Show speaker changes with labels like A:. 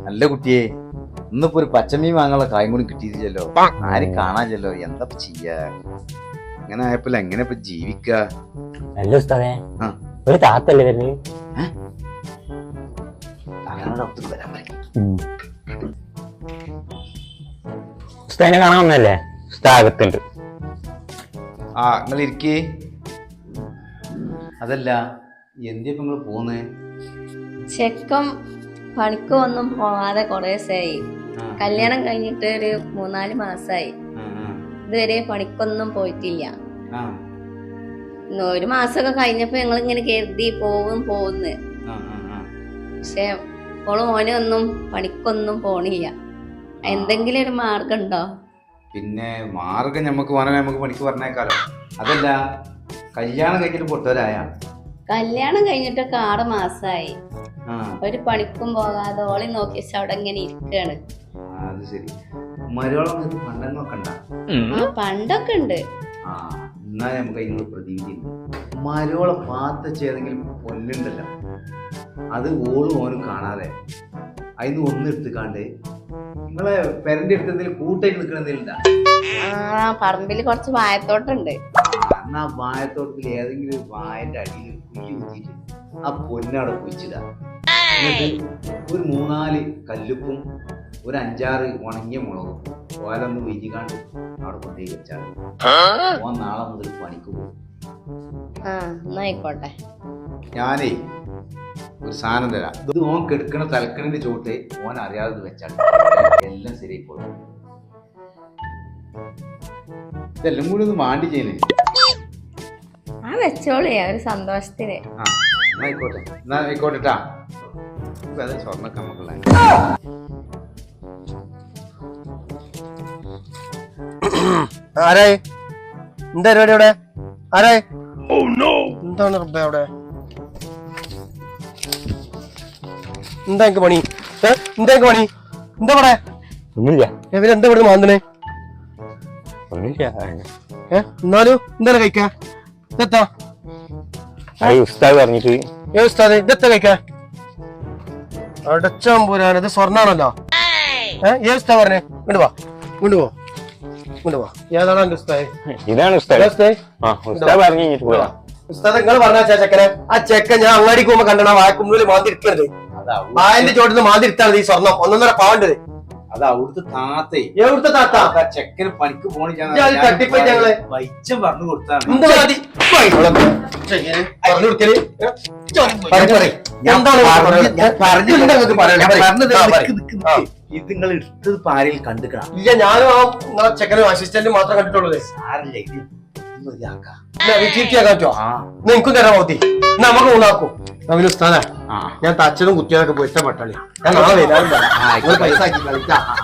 A: നല്ല കുട്ടിയെ ഇന്നിപ്പോ ഒരു പച്ചമീൻ വാങ്ങാനുള്ള കായും കൂടി കിട്ടിയില്ലല്ലോ. ആരും കാണാനില്ലല്ലോ. എന്താ ചെയ്യാ? ഇങ്ങനെ ആയപ്പോ എങ്ങനെ ഇപ്പൊ ജീവിക്ക?
B: അല്ല ഉസ്താദേ, ഒരു താത്തല്ലേ വരുന്നത്? ഉസ്താദിനെ കാണാൻ വന്നല്ലേ? ഉസ്താദത്തുണ്ട്.
A: ആ നിങ്ങൾ ഇരിക്കേ. അതല്ല എന്തിപ്പോ നിങ്ങള് പോന്നേ?
C: ചെക്കം പണിക്കൊന്നും പോവാതെ കൊറേ ദിവസമായി. കല്യാണം കഴിഞ്ഞിട്ട് ഒരു 3-4 മാസായി. ഇതുവരെ പണിക്കൊന്നും പോയിട്ടില്ല. 1 മാസമൊക്കെ കഴിഞ്ഞപ്പോ ഞങ്ങൾ ഇങ്ങനെ കരുതി പോകുന്നു. പക്ഷെ ഓള് മോനെ ഒന്നും പണിക്കൊന്നും പോണില്ല. എന്തെങ്കിലും ഒരു മാർഗം ഉണ്ടോ?
A: പിന്നെ മാർഗം നമുക്ക് പണിക്ക് പറഞ്ഞേക്കാലോ. അതല്ല കല്യാണം കഴിഞ്ഞിട്ട് പൊട്ടവരായ?
C: കല്യാണം കഴിഞ്ഞിട്ടൊക്കെ 6 മാസായി. ഒരു പണിക്കും പോകാതെ ഓളി നോക്കി വെച്ച അവിടെ ഇങ്ങനെ ഇരിക്കാണ്.
A: അത് ശരി. മരോളം പണ്ടൊക്കെ ഉണ്ടാ?
C: പണ്ടൊക്കെ ഉണ്ട്.
A: എന്നാ നമുക്ക് അതിനുള്ള പ്രതിവിധി. മരോളെ പാത്ത ഏതെങ്കിലും പൊല്ലുണ്ടല്ലോ, അത് ഓളും ഓനും കാണാതെ അതിന് ഒന്നെടുത്തുക്കാണ്ട് നിങ്ങളെ പെരന്റെ അടുത്ത് എന്തെങ്കിലും കൂട്ടായിട്ട് നിൽക്കണ എന്തെങ്കിലും
C: പറമ്പില് കുറച്ച് വായത്തോട്ടുണ്ട്.
A: എന്നാ വായത്തോട്ടത്തിൽ ഏതെങ്കിലും ഒരു വായന്റെ അടിയിൽ കുഴി കുത്തിയിട്ട് ആ പൊന്നവിടെ കുഴിച്ചിടാ. എന്നിട്ട് ഒരു 3-4 കല്ലുപ്പും ഒരു 5-6 ഉണങ്ങിയ മുളകും ഓലൊന്ന് വിരികാണ്ട് അവിടെ കൊണ്ടേ വെച്ചാൽ ഓൻ നാളെ മുതൽ പണിക്ക് പോകും.
C: ആയിക്കോട്ടെ.
A: ഞാനേ ഒരു സാധനം തരാം. ഇത് ഓൻ കെടുക്കണ തലക്കണിന്റെ ചോട്ട് ഓൻ അറിയാതെ വെച്ചാൽ എല്ലാം ശരിയായിക്കോളും. ഇതെല്ലാം കൂടി ഒന്ന് മാണ്ടി ചെയ്യുന്നേ.
C: വെച്ചോളേ ഒരു സന്തോഷത്തിന്.
A: ആയിക്കോട്ടെട്ടാ. സ്വർണ്ണൊക്കെ നമുക്കുള്ള
D: ആരായി? എന്താ പരിപാടി അവിടെ? ആരായി? എന്താണ് റബ്ബേ അവിടെ? എന്താ എനിക്ക് പണി? എന്താ പണി? എന്താ പറയാ?
B: ഒന്നുമില്ല.
D: എന്താ ഇവിടെ മാന്തണേ?
B: ഒന്നുമില്ല.
D: എന്നാലും എന്താണ് കഴിക്കാ? ഇതെത്താ
B: ഉസ്താദ് പറഞ്ഞിട്ട്.
D: ഉസ്താദ് ഇതെത്താ കഴിക്കാ? അടച്ചാൻ പോരാൻ ഇത് സ്വർണ്ണാണല്ലോ. ഉസ്താദ് പറഞ്ഞേ ഇങ്ങോട്ട് പോ. ഏതാണ് എന്റെ ഉസ്താദ്?
B: ഇതാണ് ഉസ്താദ്. ഉസ്താദ് പറഞ്ഞു കഴിഞ്ഞിട്ട് പോയാ.
D: ഉസ്താദ് നിങ്ങൾ പറഞ്ഞ ചെക്കനെ, ആ ചെക്കൻ ഞാൻ അങ്ങാടിക്ക് പോകുമ്പോ കണ്ടണ വായക്കുമ്പിൽ മാന്തിരിക്കരുത്. വായന്റെ ചോട്ടിന്ന് മാന്തിരിത്താണ് ഈ സ്വർണം 1.5 പവൻ്റെത്.
A: അത് അവിടുത്തെ താത്തേ.
D: എവിടുത്തെ താത്ത?
A: ചെക്കന് പണിക്ക് പോണി
D: തട്ടിപ്പോയി ഞങ്ങള്
A: വൈച്ചം പറഞ്ഞു കൊടുത്താണ്. ഇത് നിങ്ങൾ എടുത്തത് പാരയിൽ കണ്ടുക്കണം.
D: ഇല്ല, ഞാനും ആ ചെക്കനും അസിസ്റ്റന്റും മാത്രം കണ്ടിട്ടുള്ളത്.
A: സാരല്ലേ,
D: എനിക്കും തരാൻ മതി. നമുക്ക് ഊണാക്കും. ഉസ്താദാ, ഞാൻ തച്ചനും കുട്ടികളൊക്കെ പൊരുത്ത പട്ടാളി. ഞാൻ നാളെ വരാൻ പൈസ ആക്കി കളിക്കാം.